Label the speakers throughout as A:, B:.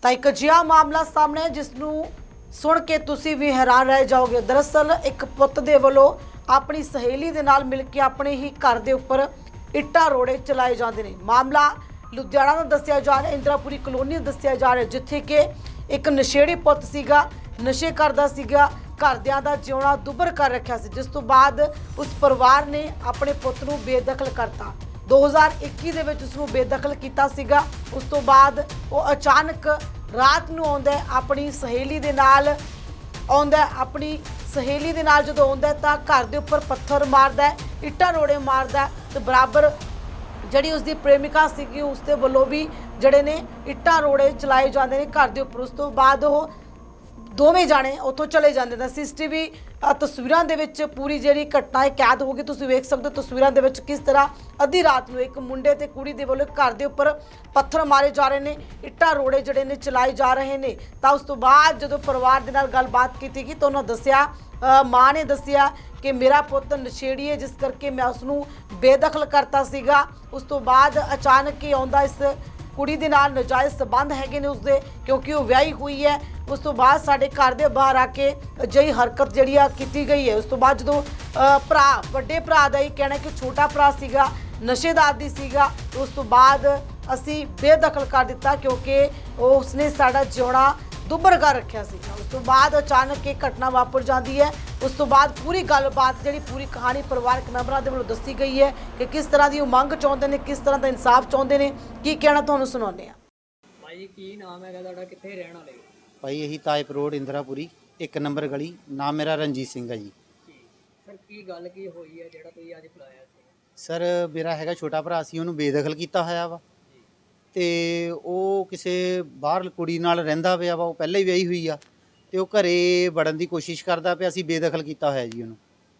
A: ਤਾਂ ਇੱਕ ਅਜਿਹਾ ਮਾਮਲਾ ਸਾਹਮਣੇ ਹੈ ਜਿਸ ਨੂੰ ਸੁਣ ਕੇ ਤੁਸੀਂ ਵੀ ਹੈਰਾਨ ਰਹਿ ਜਾਓਗੇ। ਦਰਅਸਲ ਇੱਕ ਪੁੱਤ ਦੇ ਵੱਲੋਂ ਆਪਣੀ ਸਹੇਲੀ ਦੇ ਨਾਲ ਮਿਲ ਕੇ ਆਪਣੇ ਹੀ ਘਰ ਦੇ ਉੱਪਰ ਇੱਟਾਂ ਰੋੜੇ ਚਲਾਏ ਜਾਂਦੇ ਨੇ। ਮਾਮਲਾ ਲੁਧਿਆਣਾ ਦਾ ਦੱਸਿਆ ਜਾ ਰਿਹਾ, ਇੰਦਰਾਪੁਰੀ ਕਲੋਨੀ ਦਾ ਦੱਸਿਆ ਜਾ ਰਿਹਾ, ਜਿੱਥੇ ਕਿ ਇੱਕ ਨਸ਼ੇੜੀ ਪੁੱਤ ਸੀਗਾ, ਨਸ਼ੇ ਕਰਦਾ ਸੀਗਾ, ਘਰਦਿਆਂ ਦਾ ਜਿਉਣਾ ਦੁੱਭਰ ਕਰ ਰੱਖਿਆ ਸੀ, ਜਿਸ ਤੋਂ ਬਾਅਦ ਉਸ ਪਰਿਵਾਰ ਨੇ ਆਪਣੇ ਪੁੱਤ ਨੂੰ ਬੇਦਖਲ ਕਰਤਾ। 2021 ਦੇ ਵਿੱਚ ਉਸ ਨੂੰ ਬੇਦਖਲ ਕੀਤਾ ਸੀਗਾ। ਉਸ ਤੋਂ ਬਾਅਦ ਉਹ ਅਚਾਨਕ ਰਾਤ ਨੂੰ ਆਉਂਦਾ ਹੈ, ਆਪਣੀ ਸਹੇਲੀ ਦੇ ਨਾਲ ਆਉਂਦਾ ਹੈ। ਆਪਣੀ ਸਹੇਲੀ ਦੇ ਨਾਲ ਜਦੋਂ ਆਉਂਦਾ ਤਾਂ ਘਰ ਦੇ ਉੱਪਰ ਪੱਥਰ ਮਾਰਦਾ ਹੈ, ਇੱਟਾਂ ਰੋੜੇ ਮਾਰਦਾ ਹੈ ਤੇ ਬਰਾਬਰ ਜਿਹੜੀ ਉਸਦੀ ਪ੍ਰੇਮਿਕਾ ਸੀਗੀ ਉਸ ਦੇ ਵੱਲੋਂ ਵੀ ਜਿਹੜੇ ਨੇ ਇੱਟਾਂ ਰੋੜੇ ਚਲਾਏ ਜਾਂਦੇ ਨੇ ਘਰ ਦੇ ਉੱਪਰ। ਉਸ ਤੋਂ ਬਾਅਦ ਉਹ ਦੋਵੇਂ ਜਾਣੇ ਉੱਥੋਂ ਚਲੇ ਜਾਂਦੇ ਨੇ। ਸੀਸੀਟੀਵੀ ਤਸਵੀਰਾਂ ਦੇ ਵਿੱਚ ਪੂਰੀ ਜਿਹੜੀ ਘਟਨਾ ਹੈ ਕੈਦ ਹੋ ਗਈ। ਤੁਸੀਂ ਵੇਖ ਸਕਦੇ ਹੋ ਤਸਵੀਰਾਂ ਦੇ ਵਿੱਚ ਕਿਸ ਤਰ੍ਹਾਂ ਅੱਧੀ ਰਾਤ ਨੂੰ ਇੱਕ ਮੁੰਡੇ ਤੇ ਕੁੜੀ ਦੇ ਵੱਲੋਂ ਘਰ ਦੇ ਉੱਪਰ ਪੱਥਰ ਮਾਰੇ ਜਾ ਰਹੇ ਨੇ, ਇੱਟਾਂ ਰੋੜੇ ਜਿਹੜੇ ਨੇ ਚਲਾਏ ਜਾ ਰਹੇ ਨੇ। ਤਾਂ ਉਸ ਤੋਂ ਬਾਅਦ ਜਦੋਂ ਪਰਿਵਾਰ ਦੇ ਨਾਲ ਗੱਲਬਾਤ ਕੀਤੀ ਗਈ ਤਾਂ ਉਹਨਾਂ ਦੱਸਿਆ, ਮਾਂ ਨੇ ਦੱਸਿਆ ਕਿ ਮੇਰਾ ਪੁੱਤ ਨਸ਼ੇੜੀ ਹੈ, ਜਿਸ ਕਰਕੇ ਮੈਂ ਉਸ ਨੂੰ ਬੇਦਖਲ ਕਰਤਾ ਸੀਗਾ। ਉਸ ਤੋਂ ਬਾਅਦ ਅਚਾਨਕ ਹੀ ਆਉਂਦਾ, ਇਸ ਕੁੜੀ ਦੇ ਨਾਲ ਨਜਾਇਜ਼ ਸਬੰਧ ਹੈਗੇ ਨੇ ਉਸਦੇ, ਕਿਉਂਕਿ ਉਹ ਵਿਆਹੀ ਹੋਈ ਹੈ। ਉਸ ਤੋਂ ਬਾਅਦ ਸਾਡੇ ਘਰ ਦੇ ਬਾਹਰ ਆ ਕੇ ਅਜਿਹੀ ਹਰਕਤ ਜਿਹੜੀ ਆ ਕੀਤੀ ਗਈ ਹੈ। ਉਸ ਤੋਂ ਬਾਅਦ ਜਦੋਂ ਵੱਡੇ ਭਰਾ ਦਾ ਹੀ ਕਹਿਣਾ ਕਿ ਛੋਟਾ ਭਰਾ ਸੀਗਾ, ਨਸ਼ੇਦਾਰ ਆਦੀ ਸੀਗਾ, ਉਸ ਤੋਂ ਬਾਅਦ ਅਸੀਂ ਬੇਦਖਲ ਕਰ ਦਿੱਤਾ ਕਿਉਂਕਿ ਉਸਨੇ ਸਾਡਾ ਜਿਉਣਾ ਦੁੱਭਰ ਕਰ ਰੱਖਿਆ ਸੀਗਾ। ਉਸ ਤੋਂ ਬਾਅਦ ਅਚਾਨਕ ਇਹ ਘਟਨਾ ਵਾਪਰ ਜਾਂਦੀ ਹੈ। ਉਸ ਤੋਂ ਬਾਅਦ ਪੂਰੀ ਗੱਲਬਾਤ ਜਿਹੜੀ ਪੂਰੀ ਕਹਾਣੀ ਪਰਿਵਾਰਕ ਮੈਂਬਰਾਂ ਦੇ ਵੱਲੋਂ ਦੱਸੀ ਗਈ ਹੈ ਕਿ ਕਿਸ ਤਰ੍ਹਾਂ ਦੀ ਉਹ ਮੰਗ ਚਾਹੁੰਦੇ ਨੇ, ਕਿਸ ਤਰ੍ਹਾਂ ਦਾ ਇਨਸਾਫ ਚਾਹੁੰਦੇ ਨੇ, ਕੀ ਕਹਿਣਾ ਤੁਹਾਨੂੰ ਸੁਣਾਉਂਦੇ ਆ।
B: ਭਾਈ ਕੀ ਨਾਮ ਹੈਗਾ ਤੁਹਾਡਾ, ਕਿੱਥੇ ਰਹਿਣ ਵਾਲੇ ਹੋ?
C: ਭਾਈ ਇਹੀ ਤਾਇਪ ਰੋਡ ਇੰਦਰਾਪੁਰੀ 1 ਨੰਬਰ ਗਲੀ। ਨਾਮ ਮੇਰਾ ਰਣਜੀਤ ਸਿੰਘ ਹੈ ਜੀ।
B: ਸਰ ਕੀ ਗੱਲ ਕੀ ਹੋਈ ਹੈ ਜਿਹੜਾ ਤੁਸੀਂ ਅੱਜ ਬੁਲਾਇਆ ਸੀ?
C: ਸਰ ਮੇਰਾ ਹੈਗਾ ਛੋਟਾ ਭਰਾ ਸੀ, ਉਹਨੂੰ ਬੇਦਖਲ ਕੀਤਾ ਹੋਇਆ ਵਾ ਤੇ ਉਹ ਕਿਸੇ ਬਾਹਰ ਕੁੜੀ ਨਾਲ ਰਹਿੰਦਾ ਪਿਆ ਵਾ। ਉਹ ਪਹਿਲਾਂ ਹੀ ਵਿਆਹੀ ਹੋਈ ਆ ਤੇ ਉਹ ਘਰੇ ਵੜਨ ਦੀ ਕੋਸ਼ਿਸ਼ ਕਰਦਾ ਪਿਆ। ਅਸੀਂ ਬੇਦਖਲ ਕੀਤਾ ਹੋਇਆ ਜੀ ਉਹਨੂੰ।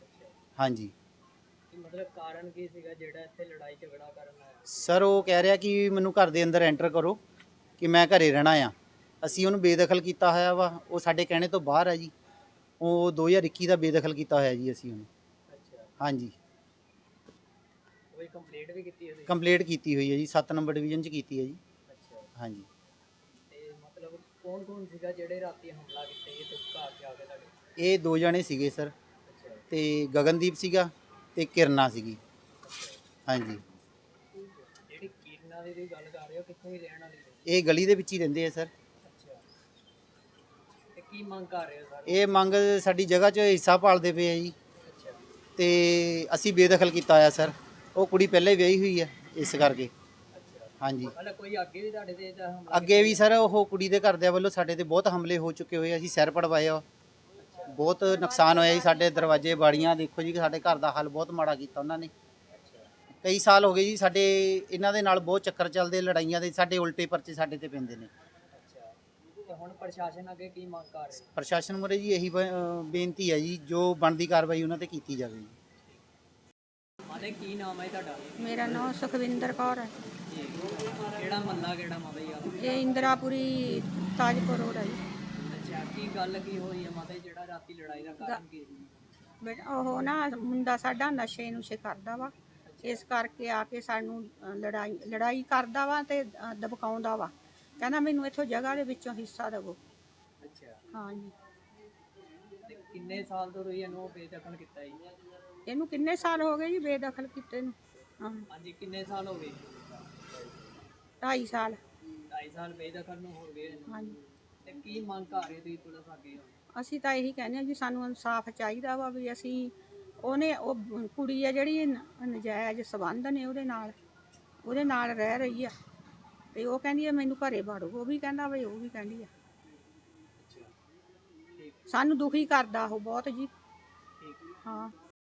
C: ਹਾਂਜੀ।
B: ਮਤਲਬ ਕਾਰਨ ਕੀ ਸੀਗਾ ਜਿਹੜਾ ਇੱਥੇ ਲੜਾਈ ਝਗੜਾ ਕਰਨ ਆਇਆ?
C: ਸਰ ਉਹ ਕਹਿ ਰਿਹਾ ਕਿ ਮੈਨੂੰ ਘਰ ਦੇ ਅੰਦਰ ਐਂਟਰ ਕਰੋ ਕਿ ਮੈਂ ਘਰੇ ਰਹਿਣਾ ਆ। ਅਸੀਂ ਉਹਨੂੰ ਬੇਦਖਲ ਕੀਤਾ ਹੋਇਆ ਵਾ। ਉਹ ਸਾਡੇ ਕਹਿਣੇ ਤੋਂ ਬਾਹਰ ਆ ਜੀ। ਉਹ 2021 ਦਾ ਬੇਦਖਲ ਕੀਤਾ ਹੋਇਆ ਜੀ ਅਸੀਂ ਉਹਨੂੰ।
B: ਅੱਛਾ।
C: ਹਾਂਜੀ।
B: ਕੋਈ ਕੰਪਲੇਂਟ ਵੀ ਕੀਤੀ ਹੋਈ?
C: ਕੰਪਲੀਟ ਕੀਤੀ ਹੋਈ ਹੈ ਜੀ, 7 ਨੰਬਰ ਡਿਵੀਜ਼ਨ 'ਚ ਕੀਤੀ ਹੈ ਜੀ।
B: ਅੱਛਾ।
C: ਹਾਂਜੀ।
B: ਤੇ ਮਤਲਬ ਕੌਣ ਸੀਗਾ ਜਿਹੜੇ ਰਾਤੀ ਹਮਲਾ ਕੀਤਾ ਇਹ ਘਰ 'ਚ ਆ ਕੇ ਤੁਹਾਡੇ?
C: ਇਹ 2 ਜਣੇ ਸੀਗੇ ਸਰ,
B: ਅੱਛਾ।
C: ਤੇ ਗਗਨਦੀਪ ਸੀਗਾ ਤੇ ਕਿਰਨਾ ਸੀਗੀ। ਹਾਂਜੀ।
B: ਜਿਹੜੀ ਕਿਰਨਾ ਦੀ ਗੱਲ ਕਰ ਰਹੇ ਹੋ, ਕਿੱਥੋਂ ਹੀ ਰਹਿਣ ਵਾਲੀ ਹੈ?
C: ਇਹ ਗਲੀ ਦੇ ਵਿੱਚ ਹੀ ਰਹਿੰਦੇ ਆ ਸਰ।
B: ਅੱਛਾ। ਤੇ ਕੀ ਮੰਗ ਕਰ ਰਹੇ ਹੋ ਸਰ?
C: ਇਹ ਮੰਗ ਸਾਡੀ ਜਗ੍ਹਾ 'ਚ ਹਿੱਸਾ ਪਾਲਦੇ ਪਏ ਆ ਜੀ
B: ਅੱਛਾ।
C: ਤੇ ਅਸੀਂ ਬੇਦਖਲ ਕੀਤਾ ਹੋਇਆ ਸਰ। ਉਹ ਕੁੜੀ ਪਹਿਲਾਂ ਹੀ ਵਿਆਹੀ ਹੋਈ ਹੈ ਇਸ ਕਰਕੇ।
B: ਅੱਛਾ।
C: ਹਾਂਜੀ।
B: ਮਤਲਬ ਕੋਈ ਅੱਗੇ ਵੀ ਤੁਹਾਡੇ ਤੇ ਹਮਲਾ?
C: ਅੱਗੇ ਵੀ ਸਰ ਉਹ ਕੁੜੀ ਦੇ ਘਰਦਿਆਂ ਵੱਲੋਂ ਸਾਡੇ ਤੇ ਬਹੁਤ ਹਮਲੇ ਹੋ ਚੁੱਕੇ ਹੋਏ। ਅਸੀਂ ਸਿਰ ਪੜਵਾਏ ਆ, ਬਹੁਤ ਨੁਕਸਾਨ ਹੋਇਆ ਜੀ। ਸਾਡੇ ਦਰਵਾਜ਼ੇ ਬਾੜੀਆਂ ਦੇਖੋ ਜੀ, ਸਾਡੇ ਘਰ ਦਾ ਹਾਲ ਬਹੁਤ ਮਾੜਾ ਕੀਤਾ ਉਹਨਾਂ ਨੇ। ਕਈ ਸਾਲ ਹੋ ਗਏ ਜੀ ਸਾਡੇ ਇਹਨਾਂ ਦੇ ਨਾਲ ਬਹੁਤ ਚੱਕਰ ਚੱਲਦੇ, ਲੜਾਈਆਂ ਦੇ। ਸਾਡੇ ਉਲਟੇ ਪਰਚੇ ਸਾਡੇ ਤੇ ਪੈਂਦੇ ਨੇ।
B: ਅੱਛਾ। ਤੇ ਹੁਣ ਪ੍ਰਸ਼ਾਸਨ ਅੱਗੇ ਕੀ ਮੰਗ ਕਰ ਰਿਹਾ?
C: ਪ੍ਰਸ਼ਾਸਨ ਮੁਰੇ ਜੀ ਇਹੀ ਬੇਨਤੀ ਹੈ ਜੀ, ਜੋ ਬਣਦੀ ਕਾਰਵਾਈ ਉਹਨਾਂ ਤੇ ਕੀਤੀ ਜਾਵੇ ਜੀ।
B: ਮਾਤਾ ਕੀ ਨਾਮ ਹੈ ਤੁਹਾਡਾ?
D: ਮੇਰਾ ਨਾਮ ਸੁਖਵਿੰਦਰ ਕੌਰ ਹੈ।
B: ਜੀ। ਕਿਹੜਾ ਮਹੱਲਾ ਕਿਹੜਾ ਮਾਤਾ ਜੀ ਆ?
D: ਇਹ ਇੰਦਰਾਪੁਰੀ ਤਾਜਪੁਰ ਰੋਡ ਹੈ ਜੀ।
B: ਅੱਛਾ। ਕੀ ਗੱਲ ਕੀ ਹੋਈ ਹੈ ਮਾਤਾ ਜੀ, ਜਿਹੜਾ ਰਾਤੀ ਲੜਾਈ ਦਾ ਕਾਰਨ ਕੀ ਸੀ?
D: ਬੇਟਾ ਉਹ ਨਾ ਮੁੰਡਾ ਸਾਡਾ ਨਸ਼ੇ ਨੁਸ਼ੇ ਕਰਦਾ ਵਾ, ਇਸ ਕਰਕੇ ਆ ਕੇ ਸਾਨੂੰ ਲੜਾਈ ਕਰਦਾ ਵਾ ਤੇ ਦਬਕਾਉਂਦਾ ਵਾ। ਕਹਿੰਦਾ ਮੈਨੂੰ ਇੱਥੋਂ ਜਗ੍ਹਾ ਦੇ ਵਿੱਚੋਂ ਹਿੱਸਾ ਦੇਵੋ।
B: ਅੱਛਾ।
D: ਹਾਂਜੀ।
B: ਤੇ ਕਿੰਨੇ ਸਾਲ ਤੋਂ ਤੁਸੀਂ ਇਹਨੂੰ ਬੇਦਖਲ ਕੀਤਾ ਜੀ?
D: ਇਹਨੂੰ ਕਿੰਨੇ ਸਾਲ ਹੋ ਗਏ ਜੀ ਬੇਦਖਲ ਕੀਤੇ ਨੂੰ? ਹਾਂ,
B: ਹਾਂਜੀ। ਕਿੰਨੇ ਸਾਲ ਹੋ ਗਏ?
D: 2.5 ਸਾਲ।
B: 2.5 ਸਾਲ ਬੇਦਖਲ ਨੂੰ ਹੋ ਗਏ।
D: ਹਾਂਜੀ।
B: ਤੇ ਕੀ ਮੰਗ ਕਰ ਰਹੇ ਤੁਸੀਂ ਪੁਲਿਸ ਅੱਗੇ ਹੁਣ?
D: ਅਸੀਂ ਤਾਂ ਇਹੀ ਕਹਿੰਦੇ ਹਾਂ ਜੀ, ਸਾਨੂੰ ਇਨਸਾਫ ਚਾਹੀਦਾ ਵਾ ਵੀ ਅਸੀਂ ਉਹ ਕੁੜੀ ਆ ਜਿਹੜੀ ਨਜਾਇਜ਼ ਸਬੰਧ ਨੇ ਉਹਦੇ ਨਾਲ ਰਹਿ ਰਹੀ ਆ ਤੇ ਉਹ ਕਹਿੰਦੀ ਆ ਮੈਨੂੰ ਘਰੇ ਵੜੋ। ਉਹ ਵੀ ਕਹਿੰਦਾ ਵੀ, ਉਹ ਵੀ ਕਹਿੰਦੀ ਆ। ਸਾਨੂੰ ਦੁਖੀ ਕਰਦਾ ਉਹ ਬਹੁਤ ਜੀ।
B: ਠੀਕ।
D: ਹਾਂ।